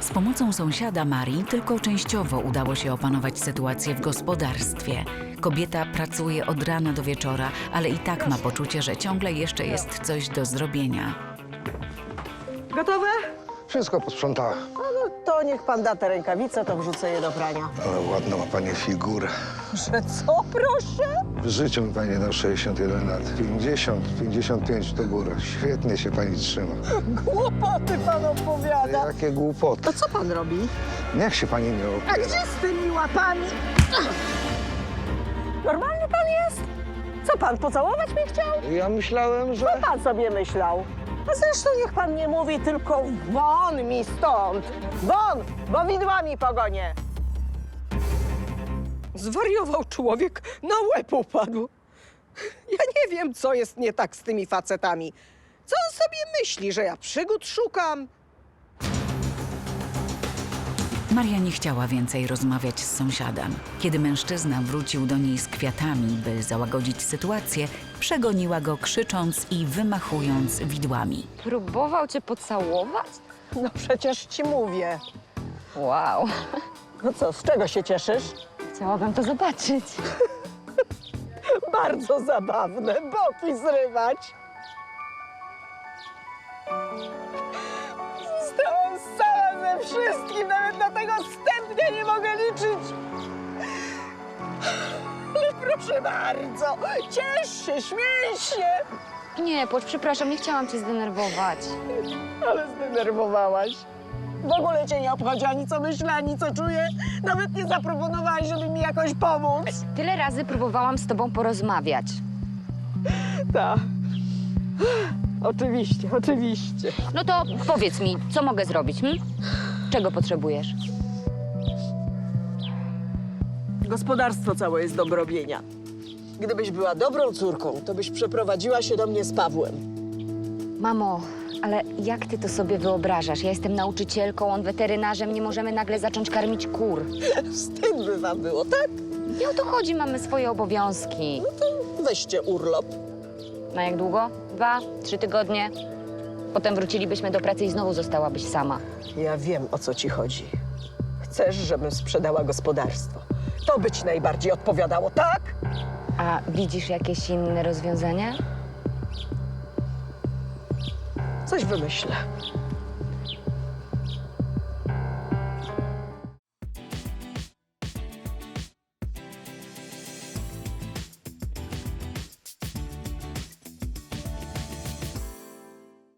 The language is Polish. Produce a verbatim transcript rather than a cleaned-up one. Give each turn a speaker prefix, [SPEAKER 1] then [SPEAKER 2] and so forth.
[SPEAKER 1] Z pomocą sąsiada Marii tylko częściowo udało się opanować sytuację w gospodarstwie. Kobieta pracuje od rana do wieczora, ale i tak ma poczucie, że ciągle jeszcze jest coś do zrobienia.
[SPEAKER 2] Gotowe?
[SPEAKER 3] Wszystko posprzątała.
[SPEAKER 2] No, no to niech pan da te rękawice, to wrzucę je do prania.
[SPEAKER 3] Ale ładną ma pani figurę.
[SPEAKER 2] Że co, proszę?
[SPEAKER 3] W życiu mi pani dał sześćdziesiąt jeden lat. pięćdziesiąt, pięćdziesiąt pięć to góra. Świetnie się pani trzyma.
[SPEAKER 2] Głupoty pan opowiada.
[SPEAKER 3] Jakie głupoty.
[SPEAKER 2] To co pan robi?
[SPEAKER 3] Niech się pani nie
[SPEAKER 2] A
[SPEAKER 3] opiera.
[SPEAKER 2] gdzie z tymi łapami? Normalny pan jest? Co pan, pocałować mnie chciał?
[SPEAKER 3] Ja myślałem, że...
[SPEAKER 2] Co pan sobie myślał? A zresztą niech pan nie mówi, tylko won mi stąd. Won, bo widłami pogonię. Zwariował człowiek, na łeb upadł. Ja nie wiem, co jest nie tak z tymi facetami. Co on sobie myśli, że ja przygód szukam?
[SPEAKER 1] Maria nie chciała więcej rozmawiać z sąsiadem. Kiedy mężczyzna wrócił do niej z kwiatami, by załagodzić sytuację, przegoniła go krzycząc i wymachując widłami.
[SPEAKER 4] Próbował cię pocałować?
[SPEAKER 2] No przecież ci mówię.
[SPEAKER 4] Wow,
[SPEAKER 2] No co, z czego się cieszysz?
[SPEAKER 4] chciałabym to zobaczyć.
[SPEAKER 2] Bardzo zabawne, boki zrywać. Zostałam sama ze wszystkim, nawet na tego wstępnie nie mogę liczyć. Ale proszę bardzo, ciesz się, śmiej się.
[SPEAKER 4] Nie, płacz, przepraszam, nie chciałam cię zdenerwować.
[SPEAKER 2] Ale zdenerwowałaś. W ogóle cię nie obchodzi ani co myślę, ani co czuję. Nawet nie zaproponowałaś, żeby mi jakoś pomóc.
[SPEAKER 4] Tyle razy próbowałam z tobą porozmawiać.
[SPEAKER 2] Tak. Oczywiście, oczywiście.
[SPEAKER 4] No to powiedz mi, co mogę zrobić, hm? Czego potrzebujesz?
[SPEAKER 2] Gospodarstwo całe jest do robienia. Gdybyś była dobrą córką, to byś przeprowadziła się do mnie z Pawłem.
[SPEAKER 4] Mamo, ale jak ty to sobie wyobrażasz? Ja jestem nauczycielką, on weterynarzem, nie możemy nagle zacząć karmić kur.
[SPEAKER 2] Wstyd by wam było, tak?
[SPEAKER 4] Nie o to chodzi, mamy swoje obowiązki.
[SPEAKER 2] Weźcie urlop.
[SPEAKER 4] Na jak długo? Dwa, trzy tygodnie? Potem wrócilibyśmy do pracy i znowu zostałabyś sama.
[SPEAKER 2] Ja wiem, o co ci chodzi. Chcesz, żebym sprzedała gospodarstwo. To by ci najbardziej odpowiadało, tak?
[SPEAKER 4] A widzisz jakieś inne rozwiązania?
[SPEAKER 2] Coś wymyślę.